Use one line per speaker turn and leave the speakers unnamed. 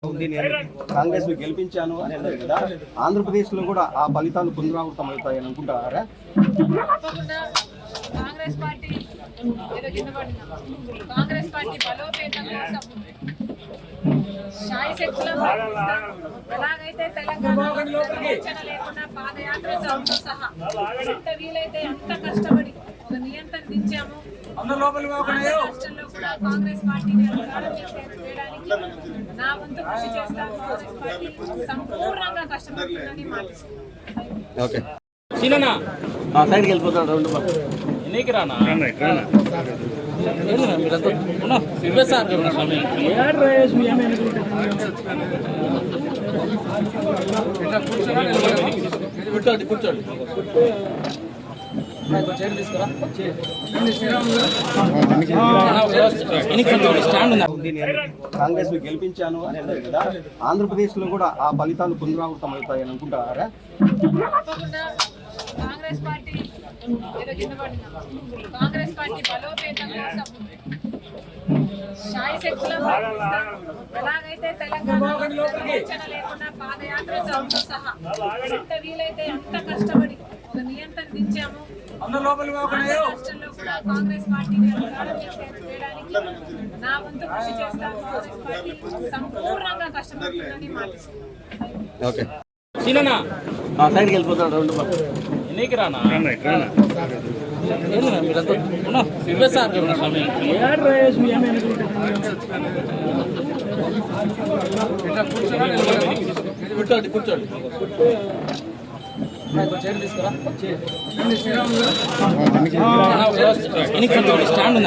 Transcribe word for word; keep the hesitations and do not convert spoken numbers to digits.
కాంగ్రెస్ ను గెలిపించాను అని అన్నారు కదా, ఆంధ్రప్రదేశ్ లో కూడా ఆ ఫలితాలు పునరావృతం అవుతాయని అనుకుంటారా?
కాంగ్రెస్ పార్టీ ఏదో కింద పడినా కాంగ్రెస్ పార్టీ బలోపేతం కోసం శాయి శక్తుల ఎలాగైతే తెలంగాణలో లేకుండా పాదయాత్ర సహా ఎంత వీలైతే అంత కష్టపడి ఒక నియంత్రణ దించాము. రాష్ట్రంలో కూడా కాంగ్రెస్ పార్టీని అధికారం చేయడానికి నా వంతు కృషి చేస్తాను. కాంగ్రెస్ పార్టీ సంపూర్ణంగా కష్టపడుతుందని మాట్లాడుతున్నాను.
సైడ్కి వెళ్ళిపోతాడు రెండు
నీకు రానా కూర్చోండి కూర్చోండి
కాంగ్రెస్ ను గెలిపించాను అని అన్నారు కదా, ఆంధ్రప్రదేశ్ లో కూడా ఆ ఫలితాలు పునరావృతం అవుతాయని అనుకుంటారా?
కాంగ్రెస్ పార్టీ ఏదో కింద పడినా కాంగ్రెస్ పార్టీ బలోపేతం కోసం శాయి శక్తుల ఎలాగైతే తెలంగాణలో లేకుండా పాదయాత్ర సహా ఎంత వీలైతే అంత కష్టపడి ఒక నియంత్రణ దించాము. రాష్ట్రంలో కూడా కాంగ్రెస్ పార్టీని అధికారం చేయడానికి నా వంతు కృషి చేస్తాను. కాంగ్రెస్ పార్టీ సంపూర్ణంగా కష్టపడుతుందని మాట్లాడుతున్నాను.
సైడ్కి వెళ్ళిపోతాడు రెండు
నీకు రానా కూర్చోండి కూర్చోండి స్టాండ్